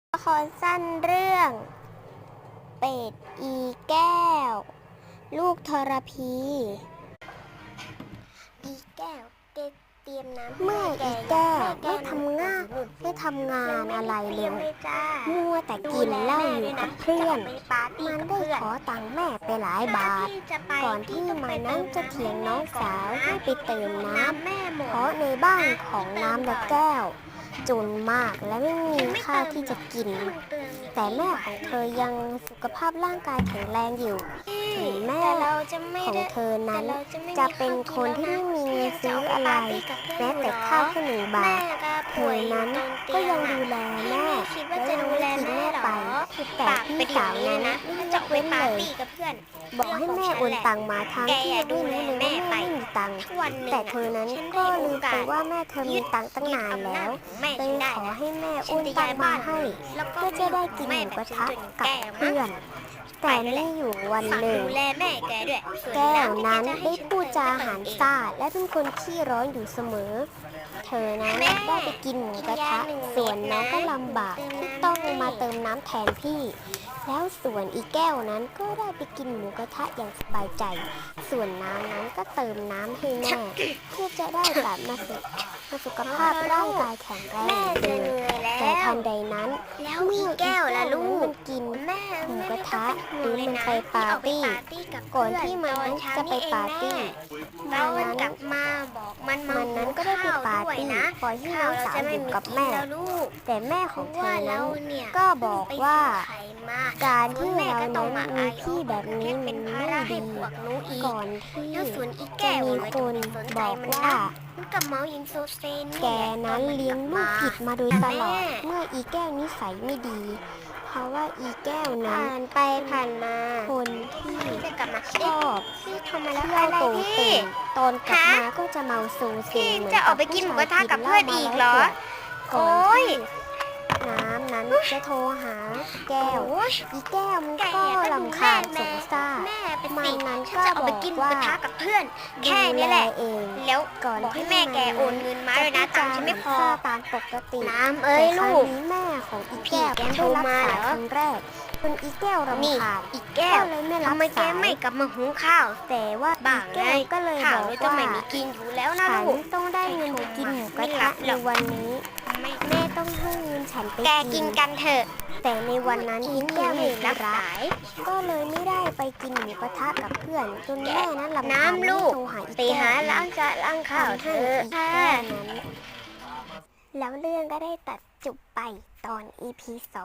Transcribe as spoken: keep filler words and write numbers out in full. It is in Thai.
ละครสั้นเรื่อง เป็ดอีแก้ว ลูกทรพี อีแก้วเตรียมน้ำเมื่ออีแก้วไม่ทำงานไม่ทำงานอะไรเลยมัวแต่กินเหล้าอยู่กับเพื่อนมันได้ขอตังค์แม่ไปหลายบาทก่อนที่มันนั้นจะเถียงน้องสาวให้ไปเติมน้ำเพราะในบ้านของน้ำและแก้วจนมากและไม่มีข้าวที่จะกินแต่แม่ของเธอยังสุขภาพร่างกายแข็งแรงอยู่ถึงแม่ของเธอนั้นจะเป็นคนที่ไม่มีเงินซื้ออะไรแม้แต่ข้าวแค่หนึ่งบาทเธอนั้นก็ยังดูแลแม่และยังไม่ทิ้งแม่ไปแต่พี่สาวนั้นไม่ยกเว้นเลยบอกให้แม่โอนตังมาทางที่ไม่รู้เลยว่าแม่ไม่มีตังค์แต่เธอนั้นก็ลืมไปว่าแม่เธอมีตังค์ตั้งนานแล้วเลยขอให้แม่โอนตังมาให้เพื่อจะได้กินหมูกระทะกับเพื่อนแต่ไม่อยู่วันหนึ่งแก้วนั้นได้พูดจาหารซ่าและเป็นคนขี้ร้อนอยู่เสมอเธอนั้นได้ไปกินหมูกระทะส่วนน้องก็ลำบากที่ต้องมาเติมน้ำแทนพี่แล้วส่วนอีแก้วนั้นก็ได้ไปกินหมูกระทะอย่างสบายใจส่วนน้ำนั้นก็เติมน้ำให้แม่เพื่อจะได้กลับมาสุขสุขภาพร่างกายแข็งแรงเดิมแต่ทันใดนั้นเมื่ออีแก้วและลูกกินหมูกระทะหรือมันไปปาร์ตี้ก่อนที่มันนั้นจะไปปาร์ตี้มันนั้นกลับมาบอกมันมันนั้นก็ได้ไปปาร์ตี้ปล่อยให้น้องสาวอยู่กับแม่แต่แม่ของเธอนั้นก็บอกว่าการที่เรานั้นมีพี่แบบนี้มันไม่ดีก่อนที่จะมีคนบอกว่าแกนั้นเลี้ยงลูกผิดมาโดยตลอดเมื่ออีแก้วนิสัยไม่ดีเพราะว่าอีแก้วนั้นไปผ่านมาคนที่ชอบเที่ยวโตเต็มตอนกลับมาก็จะเมาโซเซเหมือนกับผู้ชายกินเหล้ามาแล้วก่อนที่น้ำนั้นจะโทรหาแก้วอีแก้วมันก็รำคาญสงสารมันนั้นก็บอกว่าแค่นี้แหละเองแล้วก่อนที่แม่แกโอนเงินมาเลยนะตังค์ฉันไม่พอตามปกติน้ำเอ้ยลูกแม่ของอีแก้วโทรมาเหรอครั้งแรกเป็นอีแก้วรำคาญอีแก้วเลยไม่รับสายทำไมแกไม่กลับมาหุงข้าวแต่ว่าอีแก้วก็เลยบอกว่าไม่มีกินอยู่แล้วนะลูกต้องได้เงินกินหมูกระทะในวันนี้แม่ต้องให้เงินฉันไปแกกินกันเถอะแต่ในวันนั้นอีแก้วไม่รับสายก็เลยไม่ได้ไปกินหมูกระทะกับเพื่อนจนแม่นั้นลำคาญโทรหาอีแก้วไปหาล้างจานล้างข้าวเธออีแก้วนั้นแล้วเรื่องก็ได้ตัดจบไปตอน อี พี สอง